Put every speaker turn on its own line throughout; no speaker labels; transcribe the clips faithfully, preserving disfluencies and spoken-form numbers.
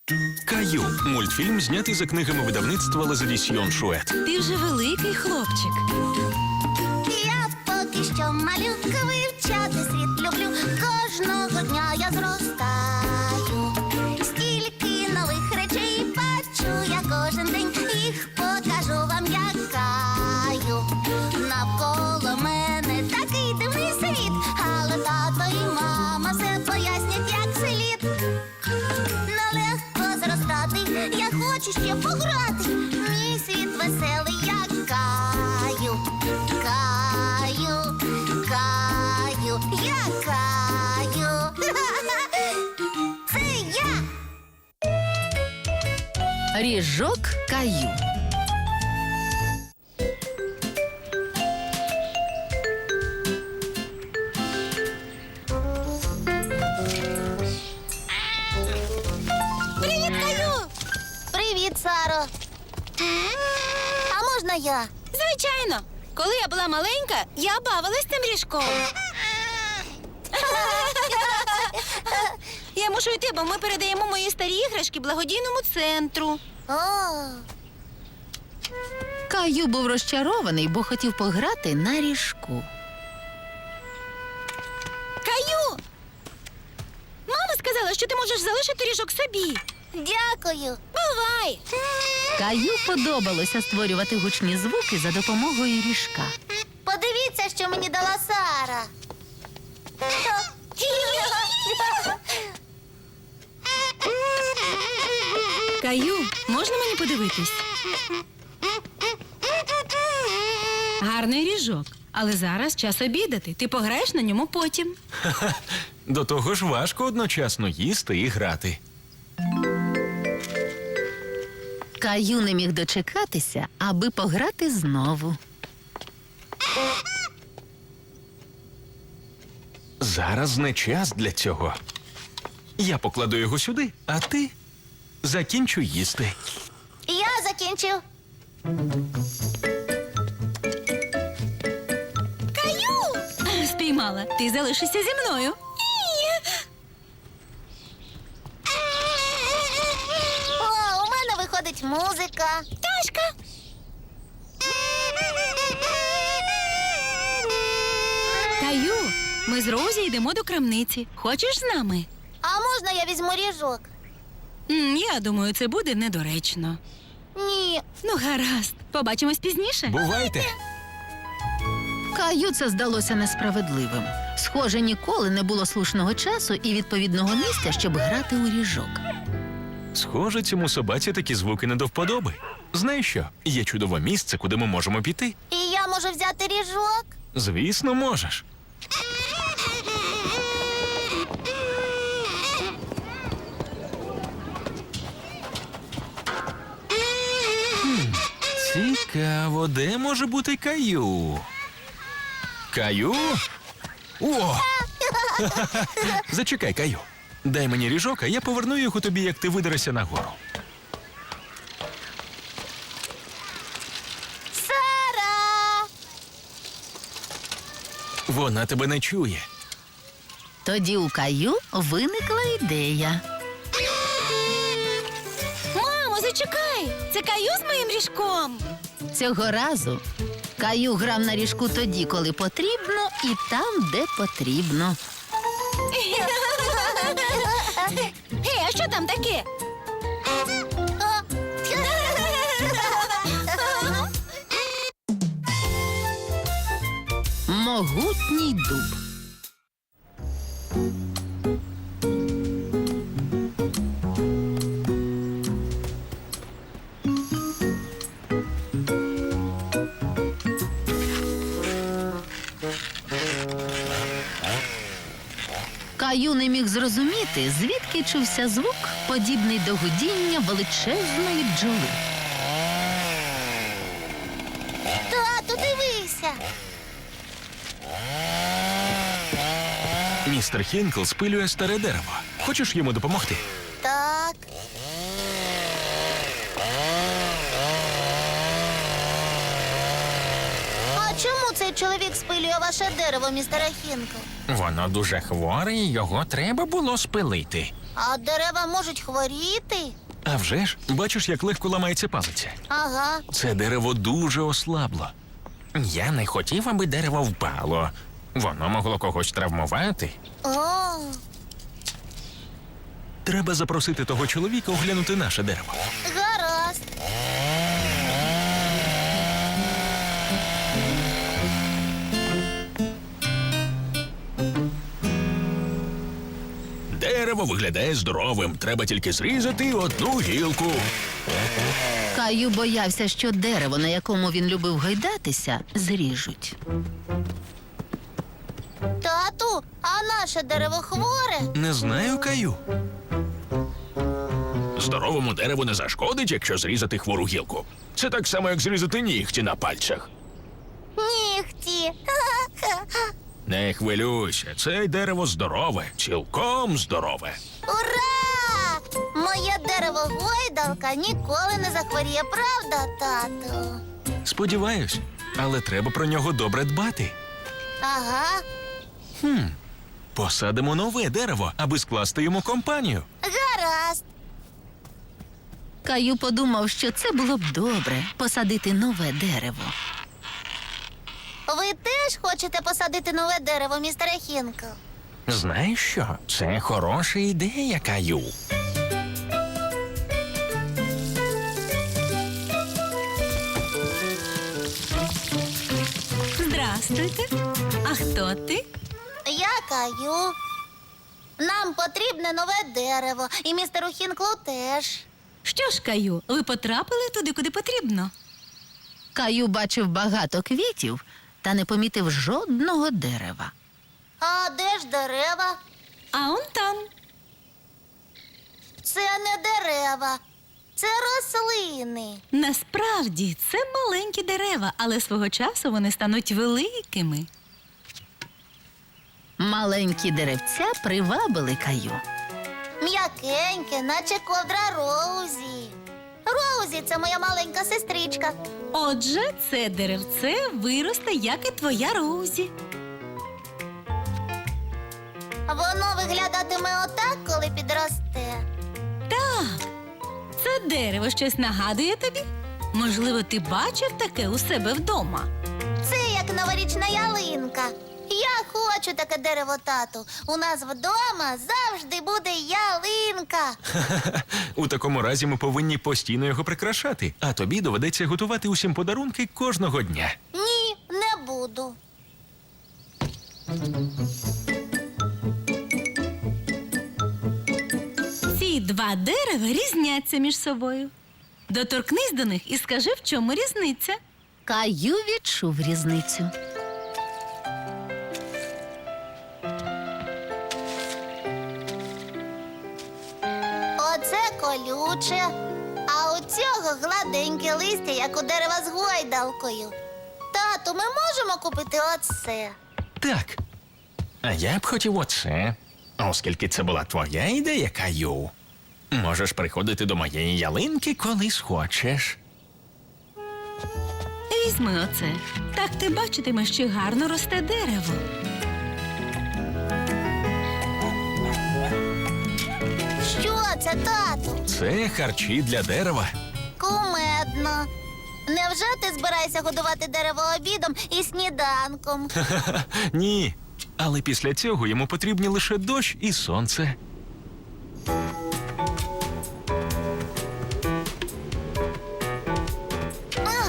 Каю – мультфільм, знятий за книгами видавництва Лазадісьйон Шует.
Ти вже великий хлопчик.
Я поки що малюка, вивчати світ люблю. Кожного дня я зростаю. Стільки нових речей бачу я кожен день. Їх покажу вам, як Каю. Навколо мене такий дивний світ, але тато і мама все пояснять, як слід. Нелегко зростати, я хочу ще пограти. Мій світ веселий, як Каю. Каю, Каю, я Каю. Це я.
Ріжок Каю.
Привіт, Каю. Привіт, Саро. А можна я?
Звичайно. Коли я була маленька, я бавилась цим ріжком. Я мушу йти, бо ми передаємо мої старі іграшки благодійному центру.
О,
Каю був розчарований, бо хотів пограти на ріжку.
Каю! Мама сказала, що ти можеш залишити ріжок собі.
дякую.
Бувай!
Каю подобалося створювати гучні звуки за допомогою ріжка.
Подивіться, що мені дала Сара.
Каю, можна мені подивитись? Гарний ріжок. Але зараз час обідати. Ти пограєш на ньому потім.
До того ж важко одночасно їсти і грати.
Каю не міг дочекатися, аби пограти знову.
Зараз не час для цього. Я покладу його сюди, а ти закінчу їсти.
Я закінчив.
Каю! Спіймала. Ти залишишся зі мною.
О, у мене виходить музика.
Ташка! Каю, ми з Розі йдемо до крамниці. Хочеш з нами?
А можна я візьму ріжок?
М, я думаю, це буде недоречно.
Ні.
Ну, гаразд. Побачимось пізніше.
Бувайте!
Каю це здалося несправедливим. Схоже, ніколи не було слушного часу і відповідного місця, щоб грати у ріжок.
Схоже, цьому собаці такі звуки не до вподоби. Знаєш що? Є чудове місце, куди ми можемо піти.
І я можу взяти ріжок?
Звісно, можеш. Хм, цікаво, де може бути Каю? Каю? О! Зачекай, Каю. Дай мені ріжок, а я поверну його тобі, як ти видерешся нагору.
Сара!
Вона тебе не чує.
Тоді у Каю виникла ідея.
Мамо, зачекай! Це Каю з моїм ріжком.
Цього разу Каю грав на ріжку тоді, коли потрібно, і там, де потрібно.
Гей, а що там таке?
Могутній дуб. Каю не міг зрозуміти, звідки чувся звук, подібний до гудіння величезної бджоли.
Тату, дивися.
Містер Хінкл спилює старе дерево. Хочеш йому допомогти?
Так. А чому цей чоловік спилює ваше дерево, містере Хінкл?
Воно дуже хворе, і його треба було спилити.
А дерева можуть хворіти?
А вже ж, бачиш, як легко ламається палиця.
Ага.
Це дерево дуже ослабло. Я не хотів, аби дерево впало. Воно могло когось травмувати.
О,
Треба запросити того чоловіка оглянути наше дерево.
гаразд.
Дерево виглядає здоровим. Треба тільки зрізати одну гілку.
Каю боявся, що дерево, на якому він любив гойдатися, зріжуть.
Тату, а наше дерево хворе?
Не знаю, Каю. Здоровому дереву не зашкодить, якщо зрізати хвору гілку. Це так само, як зрізати нігті на пальцях.
Нігті.
Не хвилюйся, це дерево здорове, цілком здорове.
Ура! Моє дерево гойдалка ніколи не захворіє, правда, тату?
Сподіваюсь, але треба про нього добре дбати.
Ага,
Посадимо нове дерево, аби скласти йому компанію.
гаразд.
Каю подумав, що це було б добре посадити нове дерево.
Ви теж хочете посадити нове дерево, містере Хінкл?
Знаєш що? Це хороша ідея, Каю.
Здрастуйте. А хто ти?
Я Каю. Нам потрібне нове дерево, і містеру Хінклу теж.
Що ж, Каю, ви потрапили туди, куди потрібно?
Каю бачив багато квітів та не помітив жодного дерева.
А де ж дерева?
А он там.
Це не дерева, це рослини.
Насправді це маленькі дерева, але свого часу вони стануть великими.
Маленькі деревця привабили Каю.
М'якеньке, наче ковдра Роузі. Роузі – це моя маленька сестричка.
Отже, це деревце виросте, як і твоя Роузі.
Воно виглядатиме отак, коли підросте.
Так, це дерево щось нагадує тобі? Можливо, ти бачив таке у себе вдома.
Це як новорічна ялинка. Я хочу таке дерево, тату. У нас вдома завжди буде ялинка.
У такому разі ми повинні постійно його прикрашати, а тобі доведеться готувати усім подарунки кожного дня.
Ні, не буду.
Ці два дерева різняться між собою. Доторкнись до них і скажи, в чому різниця.
Каю відчув різницю.
Оце колюче, а у цього гладеньке листя, як у дерева з гойдалкою. Тату, ми можемо купити оце?
Так. А я б хотів оце. Оскільки це була твоя ідея, Каю. Можеш приходити до моєї ялинки, коли схочеш.
Візьми оце. Так ти бачитимеш, що гарно росте дерево.
Що це, тату?
Це харчі для дерева.
Кумедно. Невже ти збираєшся годувати дерево обідом і сніданком?
Ха-ха, ні. Але після цього йому потрібні лише дощ і сонце.
Ах!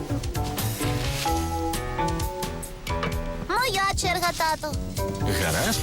Моя черга, тату.
Гаразд?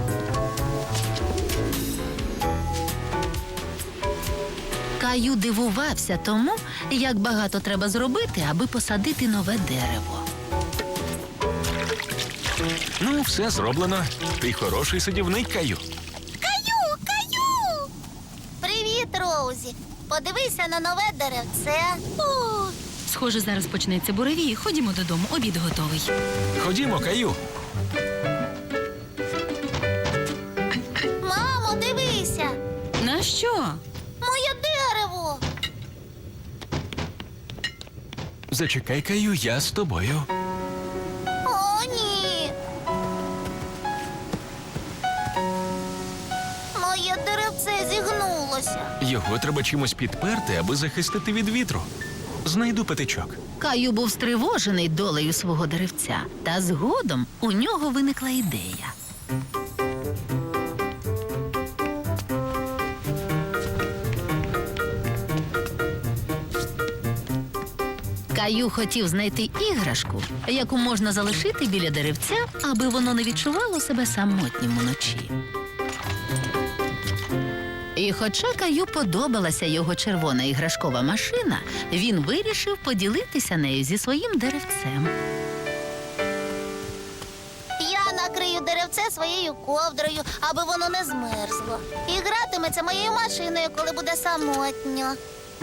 Каю дивувався тому, як багато треба зробити, аби посадити нове дерево.
Ну, все зроблено. Ти хороший садівник, Каю.
Каю, Каю! Привіт, Роузі. Подивися на нове деревце.
О, схоже, зараз почнеться буревій. Ходімо додому, обід готовий.
Ходімо, Каю.
Мамо, дивися.
На що?
Моє дерево.
Зачекай, Каю, я з тобою.
О, ні. Моє деревце
Його треба чимось підперти, аби захистити від вітру. Знайду патичок.
Каю був стривожений долею свого деревця, та згодом у нього виникла ідея. Каю хотів знайти іграшку, яку можна залишити біля деревця, аби воно не відчувало себе самотнім уночі. І хоча Каю подобалася його червона іграшкова машина, він вирішив поділитися нею зі своїм деревцем.
Я накрию деревце своєю ковдрою, аби воно не змерзло. І гратиметься моєю машиною, коли буде самотньо.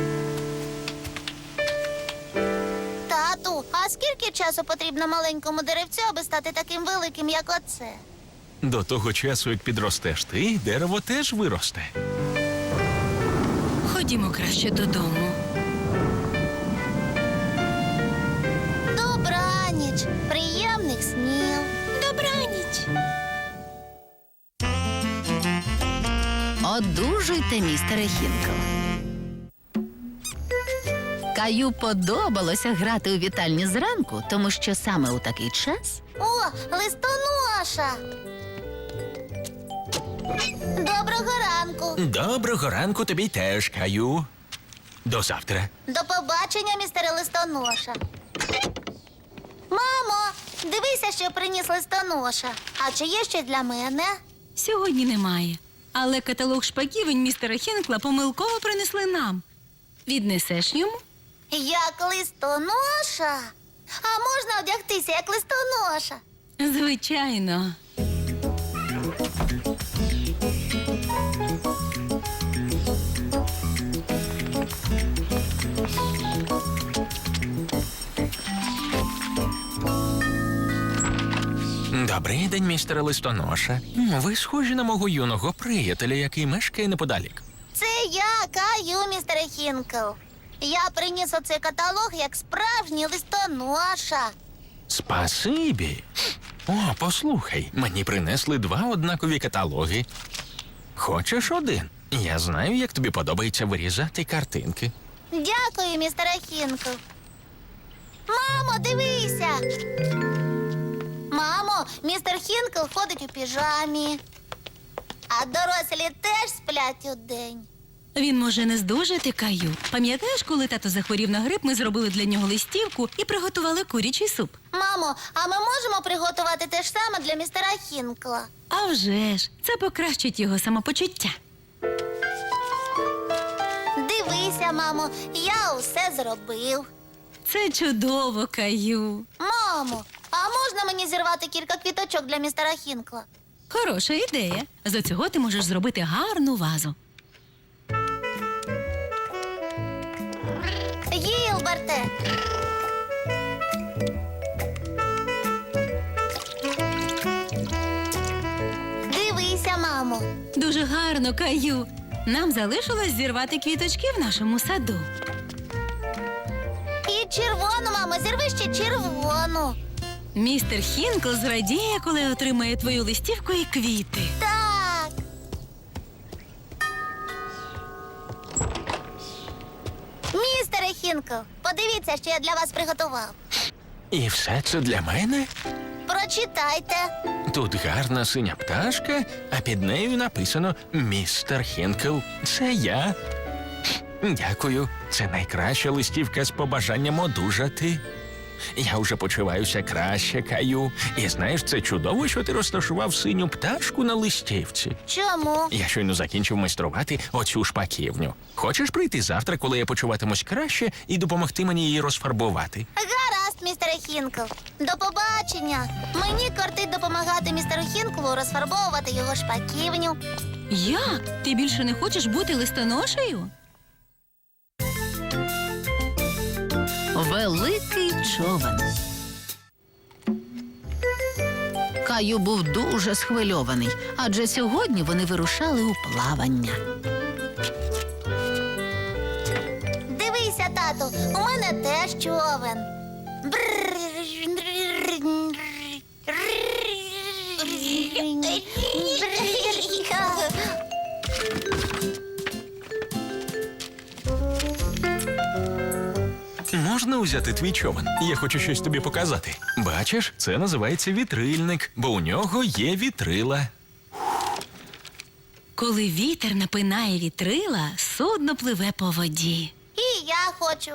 Тату, а скільки часу потрібно маленькому деревцю, аби стати таким великим, як оце?
До того часу, як підростеш ти, дерево теж виросте.
Ходімо краще додому.
Добраніч, приємних снів.
Добраніч.
Одужуйте, містере Хінкл. Каю подобалося грати у вітальні зранку, тому що саме у такий час
О, листоноша! Доброго ранку.
Доброго ранку тобі теж, Каю. До завтра.
До побачення, містере листоноша. Мамо, дивися, що приніс листоноша. А чи є ще для мене?
Сьогодні немає. Але каталог шпаківень містера Хінкла помилково принесли нам. Віднесеш йому?
Як листоноша? А можна одягтися, як листоноша?
Звичайно.
Добрий день, містере Листоноша. Ви схожі на мого юного приятеля, який мешкає неподалік.
Це я, Каю, містере Хінкл. Я приніс оцей каталог як справжній листоноша.
Спасибі. О, послухай, мені принесли два однакові каталоги. Хочеш один? Я знаю, як тобі подобається вирізати картинки.
Дякую, містере Хінкл. Мамо, дивися. Мамо, містер Хінкл ходить у піжамі. А дорослі теж сплять удень.
Він може не здужати, Каю. Пам'ятаєш, коли тато захворів на грип, ми зробили для нього листівку і приготували курячий суп?
Мамо, а ми можемо приготувати те ж саме для містера Хінкла?
А вже ж, це покращить його самопочуття.
Дивися, мамо, я усе зробив.
Це чудово, Каю.
Мамо, а можна мені зірвати кілька квіточок для містера Хінкла?
Хороша ідея. З цього ти можеш зробити гарну вазу.
Гілберте! Дивися, мамо.
Дуже гарно, Каю. Нам залишилось зірвати квіточки в нашому саду.
І червону, мамо, зірви ще червону.
Містер Хінкл зрадіє, коли отримає твою листівку і квіти.
Так. Містере Хінкл, подивіться, що я для вас приготував.
І все це для мене?
Прочитайте.
Тут гарна синя пташка, а під нею написано «Містер Хінкл». Це я. Дякую. Це найкраща листівка з побажанням одужати. Я вже почуваюся краще, Каю. І знаєш, це чудово, що ти розташував синю пташку на листівці.
Чому?
Я щойно закінчив майструвати оцю шпаківню. Хочеш прийти завтра, коли я почуватимусь краще, і допомогти мені її розфарбувати?
Гаразд, містере Хінкл. До побачення. Мені кортить допомагати містеру Хінклу розфарбовувати його шпаківню.
Як? Ти більше не хочеш бути листоношею?
великий човен. Каю був дуже схвильований, адже сьогодні вони вирушали у плавання.
Дивися, тату, у мене теж човен.
узяти твій човен? Я хочу щось тобі показати. Бачиш, це називається вітрильник, бо у нього є вітрила.
Коли вітер напинає вітрила, судно пливе по воді.
І я хочу.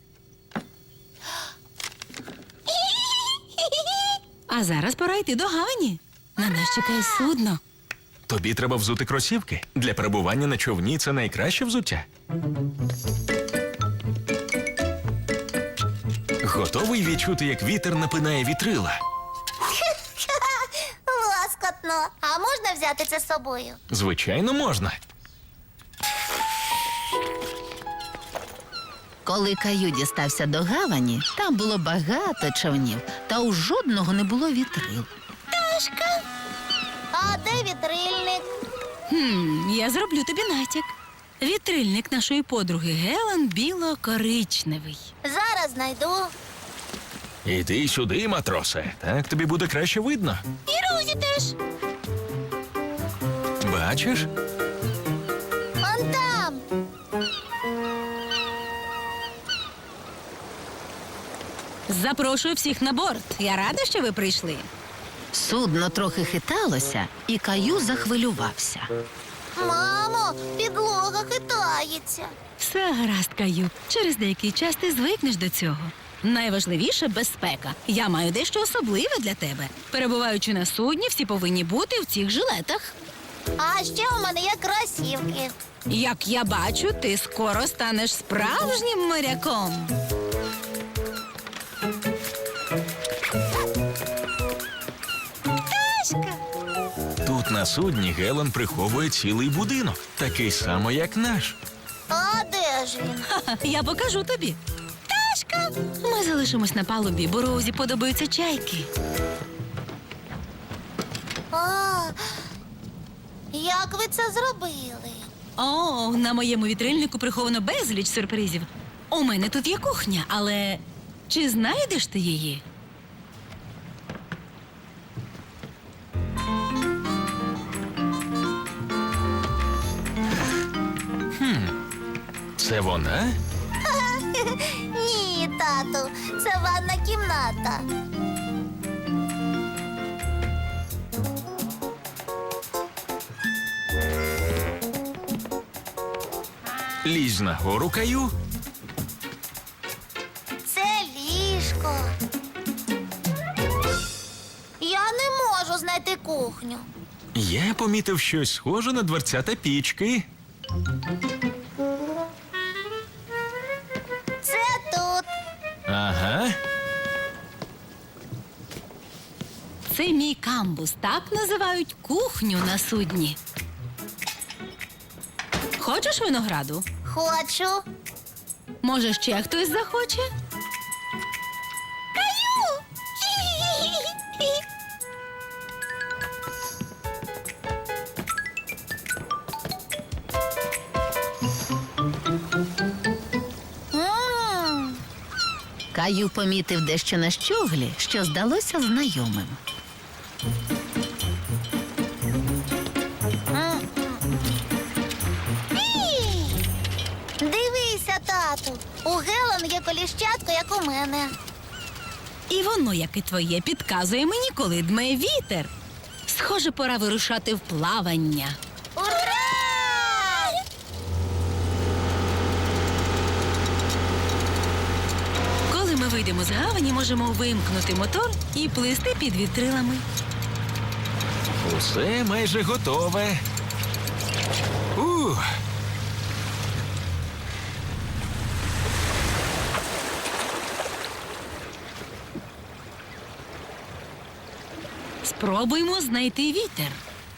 А зараз пора йти до гавані. На нас чекає судно.
Тобі треба взути кросівки. Для перебування на човні це найкраще взуття. Готовий відчути, як вітер напинає вітрила?
Ласкотно. А можна взяти це з собою?
Звичайно, можна.
Коли Каю дістався до гавані, там було багато човнів, та у жодного не було вітрил.
Пташка. А де вітрильник?
Хм, я зроблю тобі натяк. Вітрильник нашої подруги Гелен біло-коричневий.
Зараз знайду.
Іди сюди, матросе. Так тобі буде краще видно.
І Розі теж.
Бачиш?
Он там.
Запрошую всіх на борт. Я рада, що ви прийшли.
Судно трохи хиталося, і Каю захвилювався.
Мамо, підлога хитається.
Все гаразд, Каю. Через деякий час ти звикнеш до цього. Найважливіше безпека. Я маю дещо особливе для тебе. Перебуваючи на судні, всі повинні бути в цих жилетах.
А ще у мене є кросівки.
Як я бачу, ти скоро станеш справжнім моряком.
Пташка.
Тут на судні Гелен приховує цілий будинок, такий само, як наш.
А де ж він?
Ха-ха, я покажу тобі. Пташка! Ми залишимось на палубі, бо Роузі подобаються чайки.
А, як ви це зробили?
О, на моєму вітрильнику приховано безліч сюрпризів. У мене тут є кухня, але чи знайдеш ти її?
Це вона?
Ні, тату, це ванна кімната.
Лізь нагору, Каю.
Це ліжко. Я не можу знайти кухню.
Я помітив щось схоже на дверцята пічки.
Це тут.
Ага.
Це мій камбус. Так називають кухню на судні. Хочеш винограду?
Хочу.
Може, ще хтось захоче?
Каю! М,
Каю помітив дещо на щоглі, що здалося знайомим.
м. Ій! Дивися, тату. У Гелен є коліщатко, як у мене.
І воно, як і твоє, підказує мені, коли дме вітер. Схоже, пора вирушати в плавання.
Ура!
Коли ми вийдемо з гавані, можемо вимкнути мотор і плисти під вітрилами.
Усе майже готове. Ух.
Спробуймо знайти вітер.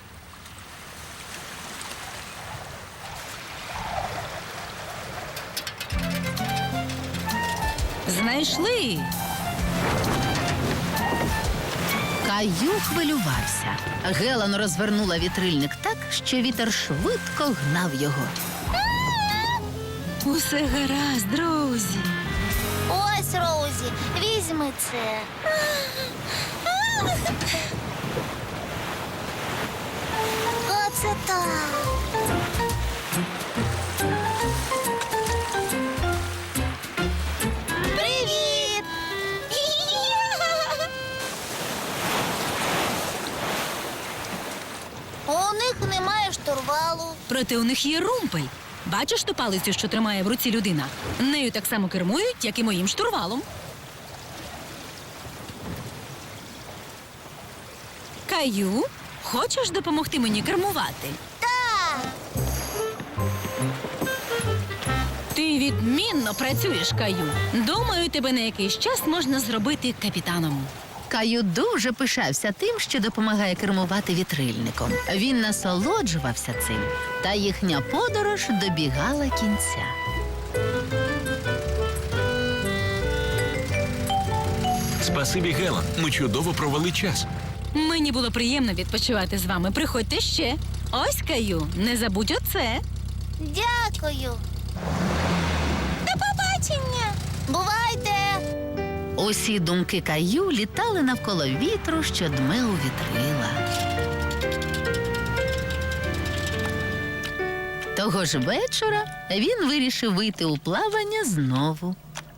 Знайшли.
Каю хвилювався. Гелен розвернула вітрильник так, що вітер швидко гнав його.
Усе гаразд, друзі.
Ось, Роузі, візьми це. Оце так. Привіт!
Проте у них є румпель. Бачиш ту палицю, що тримає в руці людина? Нею так само кермують, як і моїм штурвалом. Каю, хочеш допомогти мені кермувати?
Так.
Ти відмінно працюєш, Каю. Думаю, тебе на якийсь час можна зробити капітаном.
Каю дуже пишався тим, що допомагає кермувати вітрильником. Він насолоджувався цим, та їхня подорож добігала кінця.
Спасибі, Гелен. Ми чудово провели час.
Мені було приємно відпочивати з вами. Приходьте ще. Ось, Каю, не забудь оце.
Дякую. До побачення. Бувайте.
Усі думки Каю літали навколо вітру, що дме у вітрила. Того ж вечора він вирішив вийти у плавання знову.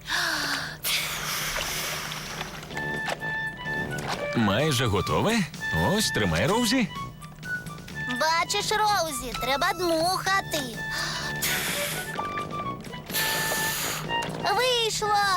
Майже готове. Ось, тримай, Роузі.
Бачиш, Роузі, треба дмухати. Вийшло.